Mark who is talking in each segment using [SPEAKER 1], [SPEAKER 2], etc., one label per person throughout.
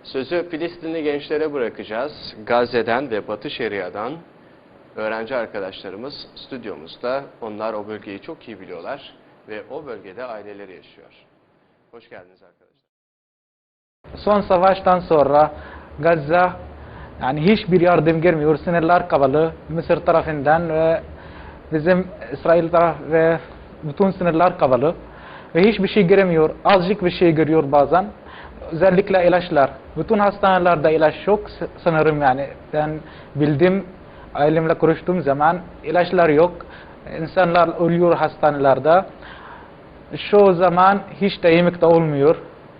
[SPEAKER 1] Sözü Filistinli gençlere bırakacağız. Gazze'den ve Batı Şeria'dan öğrenci arkadaşlarımız stüdyomuzda. Onlar o bölgeyi çok iyi biliyorlar ve o bölgede aileleri yaşıyor. Hoş geldiniz arkadaşlar.
[SPEAKER 2] Son savaştan sonra Gazze yani hiçbir yardım gelmiyor. Sınırlar kapalı Mısır tarafından ve bizim İsrail taraf ve bütün sınırlar kapalı ve hiçbir şey giremiyor. Azıcık bir şey görüyor bazen. Özellikle ilaçlar. Bütün hastanelerde ilaç yok sanırım yani. Ben bildim, ailemle konuştuğum zaman ilaçlar yok. İnsanlar ölüyor hastanelerde. Şu zaman hiç de yemek de olmuyor.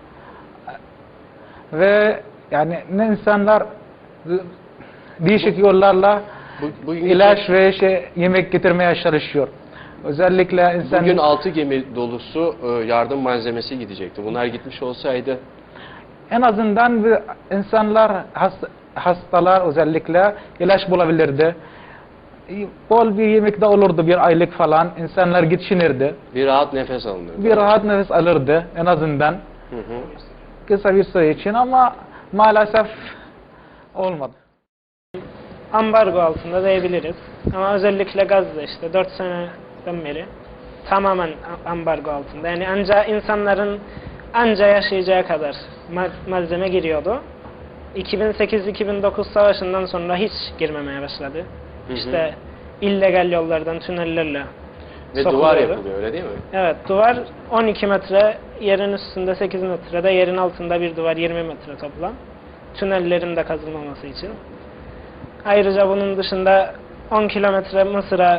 [SPEAKER 2] Ve yani ne insanlar değişik yollarla ilaç ve yemek getirmeye çalışıyor. Özellikle insan...
[SPEAKER 1] Bugün 6 gemi dolusu yardım malzemesi gidecekti. Bunlar gitmiş olsaydı...
[SPEAKER 2] En azından insanlar, hastalar özellikle ilaç bulabilirdi. Bol bir yemek de olurdu, bir aylık falan. İnsanlar geçinirdi.
[SPEAKER 1] Bir rahat nefes alınırdı.
[SPEAKER 2] Bir rahat nefes alırdı en azından. Kısa bir süre için ama maalesef olmadı.
[SPEAKER 3] Ambargo altında diyebiliriz. Ama özellikle Gazze işte 4 seneden beri tamamen ambargo altında. Yani ancak insanların yaşayacağı kadar malzeme giriyordu. 2008-2009 savaşından sonra hiç girmemeye başladı. İşte illegal yollardan, tünellerle
[SPEAKER 1] ve duvar yapılıyor, öyle değil mi?
[SPEAKER 3] Evet, duvar 12 metre, yerin üstünde 8 metrede, yerin altında bir duvar 20 metre toplam. Tünellerin de kazılmaması için. Ayrıca bunun dışında 10 kilometre Mısır'a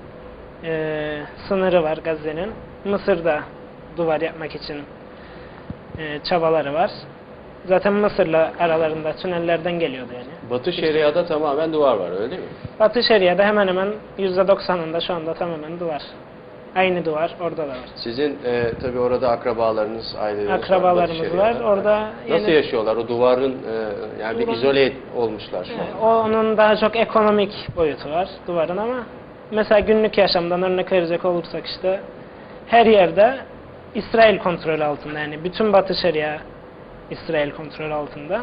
[SPEAKER 3] sınırı var Gazze'nin. Mısır'da duvar yapmak için çabaları var. Zaten Mısır'la aralarında tünellerden geliyordu yani.
[SPEAKER 1] Batı Şeria'da tamamen duvar var, öyle değil mi?
[SPEAKER 3] Batı Şeria'da hemen hemen %90'ında şu anda tamamen duvar. Aynı duvar orada da var.
[SPEAKER 1] Sizin tabii orada akrabalarınız, aileleriniz
[SPEAKER 3] akrabalarımız var. Orada
[SPEAKER 1] nasıl yaşıyorlar? O duvarın yani bir izole olmuşlar şu an.
[SPEAKER 3] Onun daha çok ekonomik boyutu var duvarın ama mesela günlük yaşamdan örnek verecek olursak işte her yerde İsrail kontrolü altında, yani bütün Batı Şeria İsrail kontrolü altında.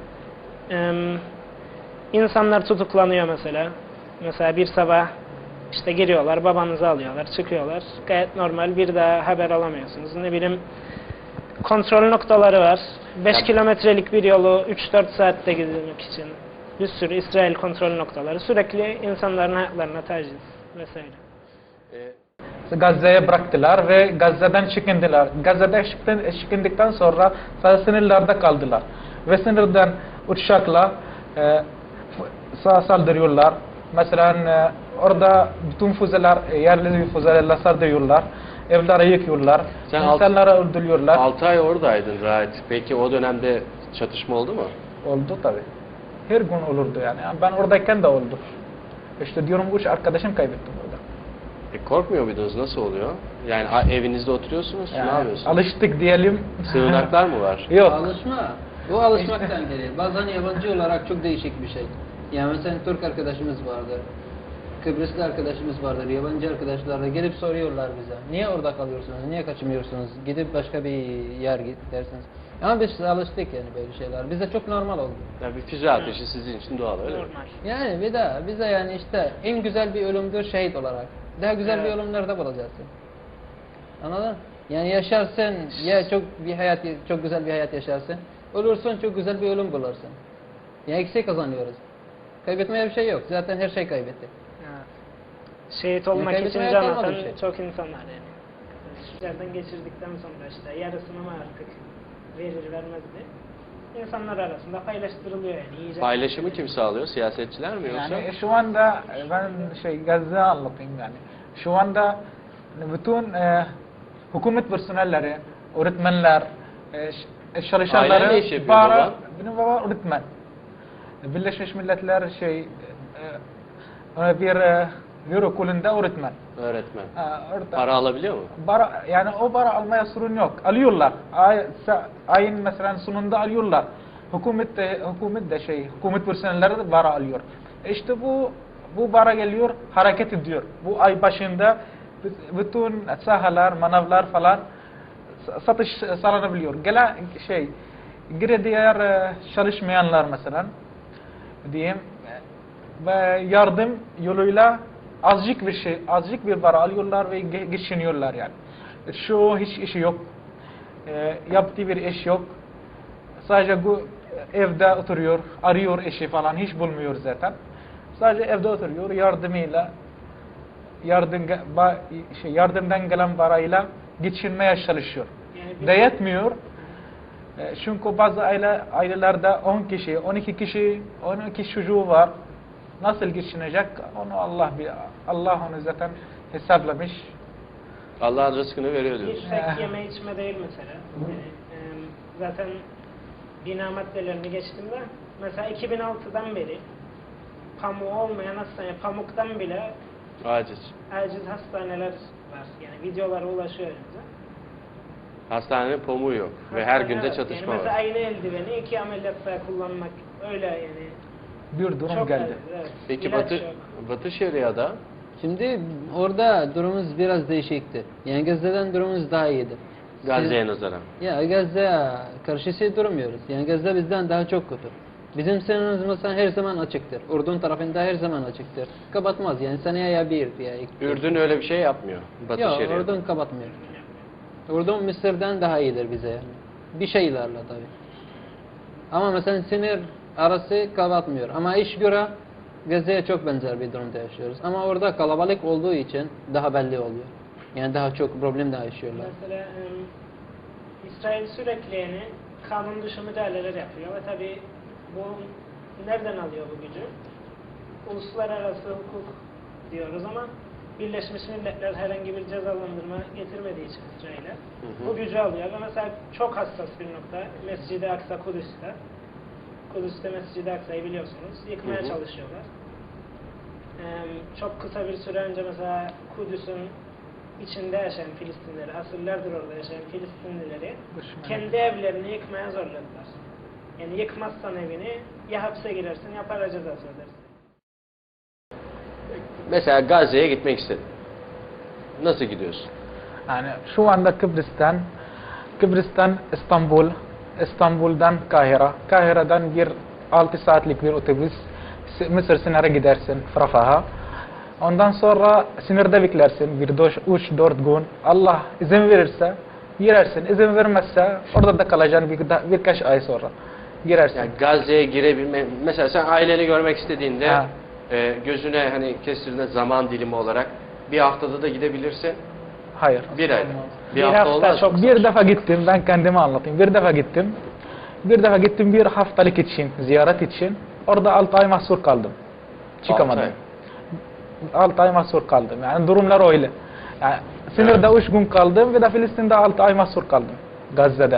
[SPEAKER 3] İnsanlar tutuklanıyor mesela. Mesela bir sabah işte giriyorlar, babanızı alıyorlar, çıkıyorlar. Gayet normal, bir daha haber alamıyorsunuz. Ne bileyim, kontrol noktaları var. 5 kilometrelik bir yolu 3-4 saatte gidilmek için bir sürü İsrail kontrol noktaları. Sürekli insanların hayatlarına taciz vesaire.
[SPEAKER 2] Gazze'ye bıraktılar ve Gazze'den çıkındılar. Gazze'de çıkındıktan sonra sınırlarda kaldılar. Ve sınırdan uçakla saldırıyorlar. Mesela orada bütün füzeler, yerli füzelerle saldırıyorlar. Evleri yıkıyorlar. İnsanları öldürüyorlar.
[SPEAKER 1] 6 ay oradaydın Rahat. Peki o dönemde çatışma oldu mu?
[SPEAKER 2] Oldu tabii. Her gün olurdu yani. Ben oradayken de oldu. İşte diyorum 3 arkadaşım kaybettim orada.
[SPEAKER 1] Korkmuyor muydunuz? Nasıl oluyor? Yani evinizde oturuyorsunuz,
[SPEAKER 2] yani,
[SPEAKER 1] ne yapıyorsunuz?
[SPEAKER 2] Alıştık diyelim.
[SPEAKER 1] Sığınaklar mı var?
[SPEAKER 2] Yok.
[SPEAKER 4] Alışma. Bu alışmaktan gelir. Bazen yabancı olarak çok değişik bir şey. Yani mesela Türk arkadaşımız vardır. Kıbrıslı arkadaşımız vardır. Yabancı arkadaşlar da gelip soruyorlar bize. Niye orada kalıyorsunuz? Niye kaçmıyorsunuz? Gidip başka bir yer git dersiniz. Ama biz alıştık yani böyle şeyler. Bize çok normal oldu.
[SPEAKER 1] Yani bir füze ateşi sizin için doğal, öyle mi?
[SPEAKER 3] Normal.
[SPEAKER 4] Yani bir daha bize yani işte en güzel bir ölümdür şehit olarak. Daha güzel bir ölüm nerede bulacaksın? Anladın? Yani yaşarsın ya çok güzel bir hayat yaşarsın. Ölürsün çok güzel bir ölüm bulursun. Ya eksik kazanıyoruz. Kaybetmeye bir şey yok. Zaten her şey kaybettik.
[SPEAKER 3] Evet. Şehit olmak için
[SPEAKER 4] kaybetmeye
[SPEAKER 3] can
[SPEAKER 4] kalmadı
[SPEAKER 3] atan
[SPEAKER 4] bir şey.
[SPEAKER 3] çok insan var yani. Yerden geçirdikten sonra işte yarısını mı artık verir vermez diye insanlar arasında paylaştırılıyor yani. Yiyecek
[SPEAKER 1] Paylaşımı kim sağlıyor? Siyasetçiler mi yoksa?
[SPEAKER 2] Yani şu anda ben Gazze anlatayım yani. Şu anda bütün hükümet personelleri, öğretmenler, çalışanları,
[SPEAKER 1] Ailen ne iş yapıyor baba?
[SPEAKER 2] Benim baba öğretmen. Birleşmiş Milletler bir okulunda öğretmen.
[SPEAKER 1] Öğretmen.
[SPEAKER 2] Orada,
[SPEAKER 1] Para alabiliyor mu?
[SPEAKER 2] yani o para almaya sorun yok. Alıyorlar. Ayın mesela sonunda alıyorlar. Hükümet hükümet personelleri de para alıyor. İşte bu para geliyor, hareket ediyor. Bu ay başında bütün sahalar, manavlar falan satış sağlanabiliyor. diğer çalışmayanlar mesela diyeyim ve yardım yoluyla azıcık bir para alıyorlar ve geçiniyorlar yani. Şu hiç işi yok. Yaptığı bir iş yok. Sadece bu evde oturuyor, arıyor eşi falan hiç bulmuyor zaten. Sadece evde oturuyor, yardımdan gelen parayla geçinmeye çalışıyor.
[SPEAKER 3] Yani
[SPEAKER 2] De yetmiyor. Çünkü bazı ailelerde 10 kişi, 12 kişi, 12 çocuğu var. Nasıl geçinecek? Onu Allah onu zaten hesaplamış.
[SPEAKER 1] Allah'ın rızkını veriyor
[SPEAKER 3] Bir
[SPEAKER 1] diyorsun.
[SPEAKER 3] tek yeme içme değil mesela. Yani, zaten bina maddelerini geçtiğimde mesela 2006'dan beri pamuğu olmayan hastane, pamuktan bile
[SPEAKER 1] Aciz.
[SPEAKER 3] aciz hastaneler var. Yani videolara ulaşıyor önümüze.
[SPEAKER 1] Hastanenin pamuğu yok ve her günde
[SPEAKER 3] Evet,
[SPEAKER 1] çatışma
[SPEAKER 3] yani mesela
[SPEAKER 1] var.
[SPEAKER 3] aynı eldiveni 2 ameliyatta kullanmak öyle yani.
[SPEAKER 2] Bir durum
[SPEAKER 3] Çok
[SPEAKER 2] geldi.
[SPEAKER 3] aciz, evet.
[SPEAKER 1] Peki
[SPEAKER 3] İlaç
[SPEAKER 1] Batı
[SPEAKER 3] yok.
[SPEAKER 1] Batı Şeria'da
[SPEAKER 4] Şimdi orada durumumuz biraz değişikti. Yani Gazze'den durumumuz daha iyiydi.
[SPEAKER 1] Gazze'ye nazaran.
[SPEAKER 4] Ya Gazze karşısı durmuyoruz. Yani Gazze bizden daha çok kötü. Bizim sınırımız mesela her zaman açıktır. Ürdün tarafında her zaman açıktır. Kapatmaz yani seneye ya bir ya iki.
[SPEAKER 1] Ürdün öyle bir şey yapmıyor. Batı
[SPEAKER 4] Yok
[SPEAKER 1] Şeria'da.
[SPEAKER 4] Ürdün kapatmıyor. Ürdün Mısır'dan daha iyidir bize yani. Bir şeylerle tabii. Ama mesela sınır arası kapatmıyor. Ama iş göre Gazze'ye çok benzer bir durumda yaşıyoruz. Ama orada kalabalık olduğu için daha belli oluyor. Yani daha çok problem daha yaşıyorlar.
[SPEAKER 3] Mesela İsrail sürekli yani kanun dışı müdahaleler yapıyor ve tabi bu nereden alıyor bu gücü? Uluslararası hukuk diyoruz ama Birleşmiş Milletler herhangi bir cezalandırma getirmediği için İsrail'e bu gücü alıyor ve mesela çok hassas bir nokta Mescid-i Aksa Kudüs'te. Kudüs'te Mescid-i Aksa'yı biliyorsunuz yıkmaya çalışıyorlar. Çok kısa bir süre önce mesela Kudüs'ün içinde yaşayan Filistinlileri, asırlardır orada yaşayan Filistinlileri kendi evlerini yıkmaya zorladılar. Yani yıkmazsan evini ya hapse girersin ya para cezası ödersin.
[SPEAKER 1] Mesela Gazze'ye gitmek istedin. Nasıl gidiyorsun?
[SPEAKER 2] Yani şu anda Kıbrıs'tan İstanbul'dan Kahire, Kahire'den bir 6 saatlik bir otobüs Mısır sınırına gidersin Rafah'a. Ondan sonra sınırda beklersin bir 3-4 gün. Allah izin verirse girersin. İzin vermezse orada da kalacaksın birkaç ay sonra. Girersin.
[SPEAKER 1] Yani Gazze'ye girebilme, mesela sen aileni görmek istediğinde
[SPEAKER 2] Ha.
[SPEAKER 1] Gözüne hani kestirdiğinde zaman dilimi olarak bir haftada da gidebilirsin.
[SPEAKER 2] Hayır.
[SPEAKER 1] Bir ay. Bir
[SPEAKER 3] Bir
[SPEAKER 1] hafta
[SPEAKER 3] hafta
[SPEAKER 1] olmaz.
[SPEAKER 3] çok-
[SPEAKER 2] Bir defa gittim, ben kendime anlatayım. Bir defa gittim bir haftalık için, ziyaret için. Orada 6 ay mahsur kaldım. Çıkamadım. 6 ay mahsur kaldım. Yani durumlar öyle. Yani sınırda 3 gün kaldım ve de Filistin'de 6 ay mahsur kaldım. Gazze'de.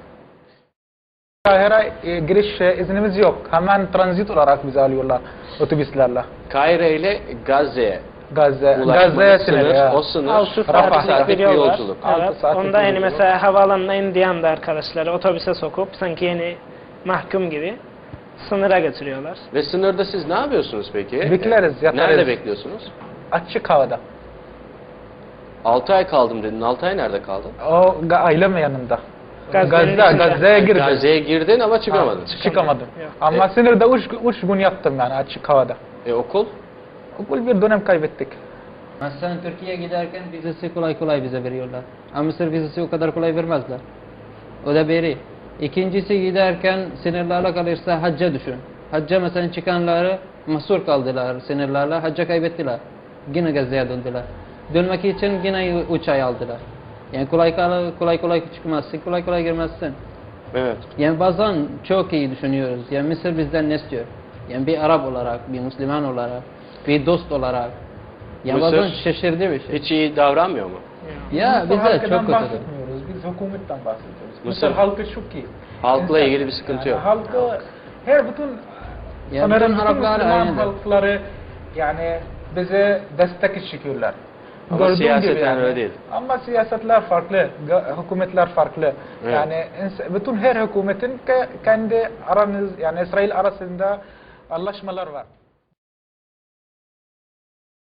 [SPEAKER 2] Kahire giriş iznimiz yok. Hemen transit olarak bizi alıyorlar otobüslerle.
[SPEAKER 1] Kahire ile Gazze'ye
[SPEAKER 2] Gazze'ye
[SPEAKER 1] ulaşmanın
[SPEAKER 2] sınır. Ya.
[SPEAKER 1] o sınır
[SPEAKER 3] 6
[SPEAKER 2] Rafah
[SPEAKER 3] saatlik bir yol var.
[SPEAKER 1] yolculuk.
[SPEAKER 2] Altı
[SPEAKER 3] Evet,
[SPEAKER 2] saatlik
[SPEAKER 3] onda
[SPEAKER 2] bir
[SPEAKER 3] yani
[SPEAKER 2] yolculuk.
[SPEAKER 3] mesela havalanına indiği anda arkadaşları otobüse sokup sanki yeni mahkum gibi sınıra götürüyorlar.
[SPEAKER 1] Ve sınırda siz ne yapıyorsunuz peki?
[SPEAKER 2] Bekleriz, yatarız.
[SPEAKER 1] Nerede bekliyorsunuz?
[SPEAKER 2] Açık havada.
[SPEAKER 1] 6 ay kaldım dedin. 6 ay nerede kaldın?
[SPEAKER 2] O ailem yanımda.
[SPEAKER 3] Gazze'nin içinde.
[SPEAKER 2] Gazze'ye girdim.
[SPEAKER 1] Gazze'ye girdin ama çıkamadın.
[SPEAKER 2] Çıkamadım.
[SPEAKER 3] Yok.
[SPEAKER 2] Ama sınırda 3 gün yattım yani açık havada.
[SPEAKER 1] Okul?
[SPEAKER 2] Okul bir dönem kaybettik.
[SPEAKER 4] Mesela Türkiye'ye giderken vizesi kolay kolay bize veriyorlar. Ama Mısır vizesi o kadar kolay vermezler. O da biri. İkincisi giderken sınırlarla kalırsa hacca düşün. Hacca mesela çıkanları mahsur kaldılar sınırlarla. Hacca kaybettiler. Yine Gazze'ye döndüler. Dönmek için yine 3 ay aldılar. Yani kolay kolay çıkmazsın, kolay kolay girmezsin.
[SPEAKER 1] Evet.
[SPEAKER 4] Yani bazen çok iyi düşünüyoruz. Yani Mısır bizden ne istiyor? Yani bir Arap olarak, bir Müslüman olarak, bir dost olarak. Yani
[SPEAKER 1] Mısır
[SPEAKER 4] bazen şaşırdığı bir şey.
[SPEAKER 1] Hiç iyi davranmıyor mu?
[SPEAKER 4] Ya
[SPEAKER 2] Mısır
[SPEAKER 4] bize
[SPEAKER 2] halkından
[SPEAKER 4] çok kötüdür.
[SPEAKER 2] bahsetmiyoruz. Biz hükümetten bahsediyoruz.
[SPEAKER 1] Mısır
[SPEAKER 2] halkı çok iyi.
[SPEAKER 1] Halkla ilgili bir sıkıntı yok.
[SPEAKER 2] Halkı her bütün
[SPEAKER 4] Ya
[SPEAKER 2] sanırım
[SPEAKER 4] bütün
[SPEAKER 2] bütün
[SPEAKER 4] Araplar
[SPEAKER 2] Müslüman
[SPEAKER 4] aynıdır.
[SPEAKER 2] halkları yani bize destek çıkıyorlar.
[SPEAKER 1] Ama
[SPEAKER 2] Gördüğün
[SPEAKER 1] siyaseten
[SPEAKER 2] gibi yani.
[SPEAKER 1] öyle değil.
[SPEAKER 2] Ama siyasetler farklı, hükümetler farklı.
[SPEAKER 1] Evet.
[SPEAKER 2] Yani bütün her hükümetin kendi yani İsrail arasında anlaşmalar var.